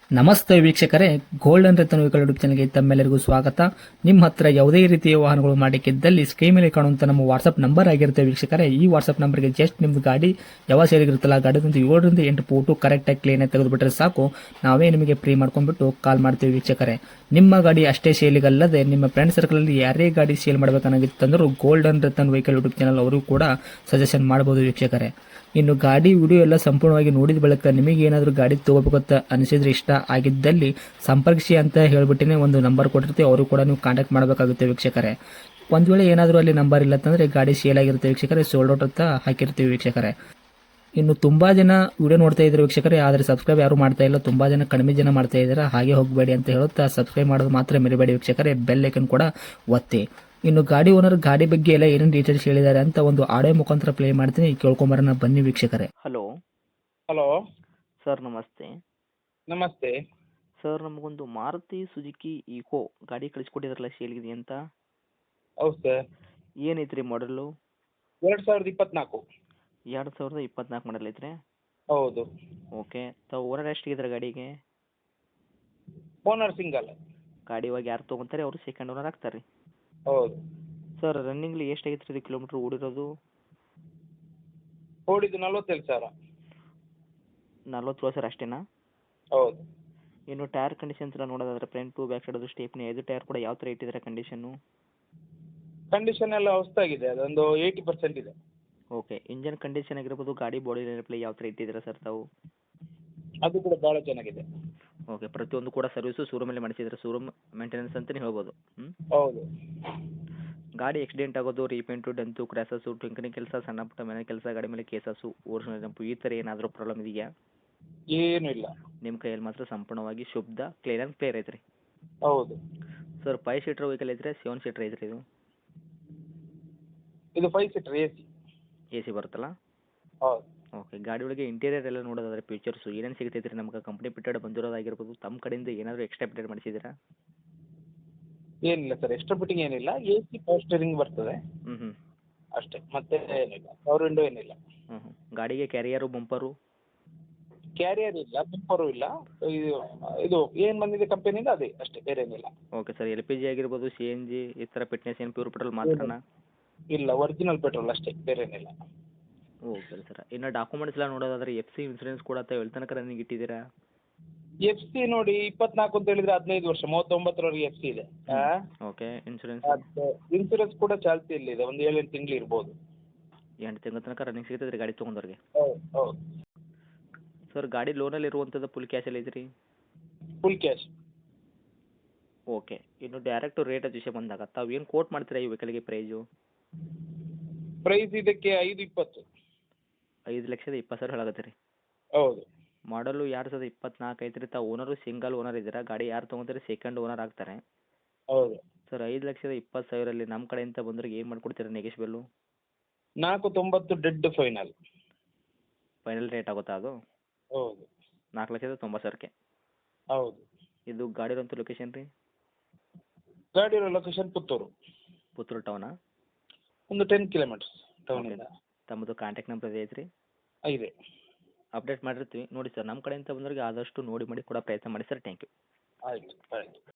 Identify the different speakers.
Speaker 1: ನಮಸ್ತೆ ವೀಕ್ಷಕರೇ, golden Ratan vehicle YouTube ಚಾನಲ್ಗೆ ತಮ್ಮೆಲ್ಲರಿಗೂ ಸ್ವಾಗತ. ನಿಮ್ಮ ಹತ್ರ ಯಾವುದೇ ರೀತಿಯ ವಾಹನಗಳು ಮಾಡಲಿಕ್ಕಿದ್ದಲ್ಲಿ ಸ್ಕ್ರೀನ್ ಮೇಲೆ ಕಾಣುವಂತ ನಮ್ಮ ವಾಟ್ಸ್ಆಪ್ ನಂಬರ್ ಆಗಿರುತ್ತೆ ವೀಕ್ಷಕರೇ. ಈ ವಾಟ್ಸ್ಆಪ್ ನಂಬರ್ಗೆ ಜಸ್ಟ್ ನಿಮ್ದು ಗಾಡಿ ಯಾವ ಸೇರಿಗಿರುತ್ತಲ್ಲ ಗಾಡಿದಂತ 7ರಿಂದ 8 ಫೋಟೋ ಕರೆಕ್ಟಾಗಿ ಕ್ಲೀನ್ ಆಗಿ ತೆಗೆದುಬಿಟ್ರೆ ಸಾಕು, ನಾವೇ ನಿಮಗೆ ಫ್ರೀ ಮಾಡ್ಕೊಂಡ್ಬಿಟ್ಟು ಕಾಲ್ ಮಾಡ್ತೀವಿ ವೀಕ್ಷಕರೇ. ನಿಮ್ಮ ಗಾಡಿ ಅಷ್ಟೇ ಸೇಲಿಗಲ್ಲದೆ ನಿಮ್ಮ ಫ್ರೆಂಡ್ ಸರ್ಕಲ್ ಅಲ್ಲಿ ಯಾರೇ ಗಾಡಿ ಸೇಲ್ ಮಾಡಬೇಕನ್ನಾಗಿತ್ತಂದ್ರೂ golden Ratan vehicle YouTube channel ಅವರು ಕೂಡ ಸಜೆಷನ್ ಮಾಡಬಹುದು ವೀಕ್ಷಕರೇ. ಇನ್ನು ಗಾಡಿ ವಿಡಿಯೋ ಎಲ್ಲ ಸಂಪೂರ್ಣವಾಗಿ ನೋಡಿದ ಬಳಿಕ ನಿಮಗೆ ಏನಾದರೂ ಗಾಡಿ ತಗೋಬೇಕಂತ ಅನಿಸಿದ್ರೆ, ಇಷ್ಟ ಆಗಿದ್ದಲ್ಲಿ ಸಂಪರ್ಕಿಸಿ ಅಂತ ಹೇಳ್ಬಿಟ್ಟಿನೇ ಒಂದು ನಂಬರ್ ಕೊಟ್ಟಿರ್ತೀವಿ, ಅವರು ಕೂಡ ನೀವು ಕಾಂಟ್ಯಾಕ್ಟ್ ಮಾಡಬೇಕಾಗುತ್ತೆ ವೀಕ್ಷಕರೇ. ಒಂದು ವೇಳೆ ಏನಾದರೂ ಅಲ್ಲಿ ನಂಬರ್ ಇಲ್ಲ ಅಂತಂದರೆ ಗಾಡಿ ಸೇಲ್ ಆಗಿರುತ್ತೆ ವೀಕ್ಷಕರೇ, ಸೋಲ್ಡ್ ಔಟ್ ಅಂತ ಹಾಕಿರ್ತೀವಿ ವೀಕ್ಷಕರೇ. ಇನ್ನು ತುಂಬಾ ಜನ ವಿಡಿಯೋ ನೋಡ್ತಾ ಇದ್ದಾರೆ ವೀಕ್ಷಕರೇ, ಆದರೆ ಸಬ್ಸ್ಕ್ರೈಬ್ ಯಾರು ಮಾಡ್ತಾ ಇಲ್ಲ, ತುಂಬಾ ಜನ ಕಡಿಮೆ ಜನ ಮಾಡ್ತಾ ಇದ್ದಾರೆ. ಹಾಗೆ ಹೋಗಬೇಡಿ ಅಂತ ಹೇಳುತ್ತಾ ಸಬ್ಸ್ಕ್ರೈಬ್ ಮಾಡೋದು ಮಾತ್ರ ಮರಿಬೇಡಿ ವೀಕ್ಷಕರೇ, ಬೆಲ್ ಐಕನ್ ಕೂಡ ಒತ್ತಿ. ಇನ್ನು ಗಾಡಿ ಓನರ್ ಗಾಡಿ ಬಗ್ಗೆ ಎಲ್ಲ ಏನೇನು ಡೀಟೇಲ್ಸ್ ಹೇಳಿದ್ದಾರೆ ಅಂತ ಒಂದು ಆಡಿಯೋ ಮುಖಾಂತರ ಪ್ಲೇ ಮಾಡ್ತೀನಿ, ಕೇಳ್ಕೊಂಬರೋಣ ಬನ್ನಿ ವೀಕ್ಷಕರೇ. ಹಲೋ
Speaker 2: ಹಲೋ
Speaker 1: ಸರ್, ನಮಸ್ತೆ.
Speaker 2: ನಮಸ್ತೆ.
Speaker 1: ಸರ್, ನಮಗೊಂದು ಮಾರುತಿ ಸುಜುಕಿ ಈಕೋ ಗಾಡಿ ಕಳಿಸ್ಕೊಟ್ಟಿದ್ರಲ್ಲ ಸೇಲ್ಗಿದೆ ಅಂತ.
Speaker 2: ಹೌದು ಸರ್.
Speaker 1: ಏನೈತ್ರಿ ಮಾಡಲು?
Speaker 2: 2024.
Speaker 1: 2024 ಮಾಡಲ್ ಐತ್ರಿ.
Speaker 2: ಹೌದು.
Speaker 1: ಓಕೆ, ತಾವು ಓನರ್ ಎಷ್ಟಿದ್ರೆ ಗಾಡಿಗೆ?
Speaker 2: Owner single.
Speaker 1: ಗಾಡಿ ಇವಾಗ ಯಾರು ತೊಗೊಂತಾರೆ ಅವರು ಸೆಕೆಂಡ್ ಓನರ್ ಆಗ್ತಾರೆ ರೀ.
Speaker 2: ಹೌದು.
Speaker 1: ಸರ್, ರನ್ನಿಂಗ್ಲಿ ಎಷ್ಟಾಗೈತೆ ರೀ ಕಿಲೋಮೀಟ್ರ್ ಓಡಿರೋದು?
Speaker 2: ಓಡಿದ್ದು 47,000.
Speaker 1: 40 ಸರ್ ಅಷ್ಟೇನಾ?
Speaker 2: ಹೌದು.
Speaker 1: ಇನ್ನು ಟೈರ್ ಕಂಡೀಷನ್ಸ್ ಎಲ್ಲ ನೋಡೋದಾದ್ರೆ front to back side stepney 5 tyre ಕೂಡ ಯಾವ ಥರ ಇಟ್ಟಿದ್ದಾರೆ ಕಂಡೀಷನ್ನು?
Speaker 2: ಕಂಡೀಷನ್ ಎಲ್ಲ ಹೊಸದಾಗಿದೆ, ಅದೊಂದು 80% ಇದೆ.
Speaker 1: ಓಕೆ, ಇಂಜನ್ ಕಂಡೀಷನ್ ಆಗಿರ್ಬೋದು, ಗಾಡಿ ಬಾಡಿ ಪ್ಲೇ ಯಾವ ಥರ ಇಟ್ಟಿದ್ದೀರಾ ಸರ್ ತಾವು?
Speaker 2: ಅದು ಕೂಡ ಭಾಳ ಚೆನ್ನಾಗಿದೆ.
Speaker 1: ಓಕೆ, ಪ್ರತಿಯೊಂದು ಕೂಡ ಸರ್ವಿಸು ಶೋರೂಮಲ್ಲಿ ಮಾಡಿಸಿದ್ರೆ, ಶೋರೂಮ್ ಮೇಂಟೆನೆನ್ಸ್ ಅಂತಲೇ ಹೇಳ್ಬೋದು.
Speaker 2: ಹೌದು.
Speaker 1: ಗಾಡಿ ಆಕ್ಸಿಡೆಂಟ್ ಆಗೋದು, ರೀಪೇಂಟು, ಡೆಂತು, ಕ್ರ್ಯಾಸಸ್ಸು, ಟಿಂಕರಿಂಗ್ ಕೆಲಸ, ಸಣ್ಣ ಪುಟ್ಟ ಮನೆ ಕೆಲಸ, ಗಾಡಿ ಮೇಲೆ ಕೇಸಸ್ಸು, ಓರಿಜಿನಲ್ ಜಂಪು, ಈ ಥರ ಏನಾದರೂ ಪ್ರಾಬ್ಲಮ್ ಇದೆಯಾ?
Speaker 2: ಏನೂ ಇಲ್ಲ.
Speaker 1: ನಿಮ್ಮ ಕೈಯಲ್ಲಿ ಮಾತ್ರ ಸಂಪೂರ್ಣವಾಗಿ ಶುದ್ಧ ಕ್ಲೀನ್ ಆ್ಯಂಡ್ ಕ್ಲಿಯರ್ ಐತ್ರಿ.
Speaker 2: ಹೌದು.
Speaker 1: ಸರ್, 5 ಸೀಟರ್ ವೆಹಿಕಲ್ ಐತ್ರಿ, 7 ಸೀಟರ್ ಐತ್ರಿ ಇದು?
Speaker 2: ಇದು 5 ಸೀಟರ್ AC.
Speaker 1: ಎ ಸಿ ಬರುತ್ತಲ್ಲ?
Speaker 2: ಹೌದು.
Speaker 1: ಓಕೆ, ಗಾಡಿ ಒಳಗೆ ಇಂಟೀರಿಯರ್ ಎಲ್ಲ ನೋಡೋದಾದ್ರೆ ಫೀಚರ್ಸು ಏನೇನು ಸಿಗ್ತೈತೆ ರೀ ನಮ್ಗೆ? ಕಂಪ್ನಿ ಪಿಟೆಡ್ ಬಂದಿರೋದಾಗಿರ್ಬೋದು, ತಮ್ಮ ಕಡೆಯಿಂದ ಏನಾದರೂ ಎಕ್ಸ್ಟ್ರಾ ಪಿಟೆಡ್ ಮಾಡಿಸಿದ್ದೀರಾ?
Speaker 2: ಏನಿಲ್ಲ ಸರ್, ಎಕ್ಸ್ಟ್ರಾ ಫಿಟ್ಟಿಂಗ್ ಏನಿಲ್ಲ. AC ಪವರ್ ಸ್ಟೀರಿಂಗ್ ಬರ್ತದೆ
Speaker 1: ಹ್ಞೂ
Speaker 2: ಅಷ್ಟೇ, ಮತ್ತೆ ಏನಿಲ್ಲ. ಪವರ್ ವಿಂಡೋ ಏನಿಲ್ಲ.
Speaker 1: ಗಾಡಿಗೆ ಕ್ಯಾರಿಯರು, ಬಂಪರು?
Speaker 2: ಕ್ಯಾರಿಯರ್ ಇಲ್ಲ, ಬಂಪರು ಇಲ್ಲ. ಇದು ಏನು ಬಂದಿದೆ ಕಂಪನಿಯಿಂದ ಅದೇ ಅಷ್ಟೇ, ಬೇರೆ ಏನಿಲ್ಲ.
Speaker 1: ಓಕೆ ಸರ್, LPG ಆಗಿರ್ಬೋದು, CNG ಈ ಥರ ಫಿಟ್ನೆಸ್ ಏನು ಪ್ಯೂರ್ ಪೆಟ್ರೋಲ್ ಮಾತ್ರನಾ?
Speaker 2: ಇಲ್ಲ, ಒರಿಜಿನಲ್ ಪೆಟ್ರೋಲ್ ಅಷ್ಟೇ, ಬೇರೆ ಏನಿಲ್ಲ.
Speaker 1: ಓಕೆ ಸರ್, ಇನ್ನು ಡಾಕ್ಯುಮೆಂಟ್ಸ್ ಎಲ್ಲ ನೋಡೋದಾದ್ರೆ FC ಇನ್ಸೂರೆನ್ಸ್ ಕೂಡ ಎಲ್ಲಿ ತನಕ ರನ್ನಿಂಗ್ ಇಟ್ಟಿದ್ದೀರಾ?
Speaker 2: FC ನೋಡಿ 24 ಅಂತ ಹೇಳಿದ್ರೆ 15 ವರ್ಷ, 39ರವರೆಗೆ FC ಇದೆ.
Speaker 1: Okay, insurance?
Speaker 2: ಅದು ಇನ್ಸೂರೆನ್ಸ್ ಕೂಡ ಚಾಲ್ತಿಯಲ್ಲಿದೆ, ಒಂದು 7-8 ತಿಂಗಳು ಇರ್ಬೋದು.
Speaker 1: 8 ತಿಂಗಳ ತನಕ ರನ್ನಿಂಗ್ ಸಿಗ್ತದೆ ರೀ ಗಾಡಿ ತೊಗೊಂಡವ್ರಿಗೆ?
Speaker 2: ಹೌದು ಹೌದು.
Speaker 1: ಸರ್, ಗಾಡಿ ಲೋನಲ್ಲಿ ಇರುವಂಥದ್ದು ಫುಲ್ ಕ್ಯಾಶಲ್ಲಿ ಐತ್ರಿ?
Speaker 2: Full cash.
Speaker 1: ಓಕೆ, ಇನ್ನು ಡೈರೆಕ್ಟು ರೇಟ್ ವಿಷಯ ಬಂದಾಗ ತಾವು ಏನು ಕೋಟ್ ಮಾಡ್ತೀರಾ ಈ ವೆಹಿಕಲ್ಗೆ ಪ್ರೈಸು?
Speaker 2: ಪ್ರೈಸ್ ಇದಕ್ಕೆ 520.
Speaker 1: 5,20,000 ಹೇಳಾಗತ್ತೆ ರೀ?
Speaker 2: ಹೌದು.
Speaker 1: ಮಾಡಲು 2024 ಐತ್ರಿ. ತಾವು ಓನರು ಸಿಂಗಲ್ ಓನರ್ ಇದ್ದೀರಾ, ಗಾಡಿ ಯಾರು ತೊಗೊಂತಾರೆ ಸೆಕೆಂಡ್ ಓನರ್ ಆಗ್ತಾರೆ.
Speaker 2: ಹೌದು.
Speaker 1: ಸರ್, 5,20,000 ನಮ್ಮ ಕಡೆಯಿಂದ ಬಂದ್ರೆ ಏನು ಮಾಡ್ಕೊಡ್ತೀರಾ negotiable?
Speaker 2: 490 dead final.
Speaker 1: Final rate ಆಗುತ್ತಾ ಅದು?
Speaker 2: ಹೌದು.
Speaker 1: 4,90,000ಕ್ಕೆ?
Speaker 2: ಹೌದು.
Speaker 1: ಇದು ಗಾಡಿ ಇರೋಂಥ ಲೊಕೇಶನ್ ರೀ?
Speaker 2: ಗಾಡಿ ಇರೋ ಲೊಕೇಶನ್ ಪುತ್ತೂರು.
Speaker 1: ಪುತ್ತೂರು ಟೌನಾ?
Speaker 2: ಒಂದು 10 ಕಿಲೋಮೀಟರ್ಸ್ ಟೌನಿಂದ.
Speaker 1: ತಮ್ಮದು ಕಾಂಟ್ಯಾಕ್ಟ್ ನಂಬರ್ ಐತ್ರಿ?
Speaker 2: ಇದೆ.
Speaker 1: ಅಪ್ಡೇಟ್ ಮಾಡಿರ್ತೀವಿ ನೋಡಿ ಸರ್. ನಮ್ಮ ಕಡೆಯಿಂದ ಬಂದವ್ರಿಗೆ ಆದಷ್ಟು ನೋಡಿ ಮಾಡಿ ಕೊಡೋ ಪ್ರಯತ್ನ ಮಾಡಿ ಸರ್. Thank you.
Speaker 2: ಆಯಿತು ಆಯಿತು.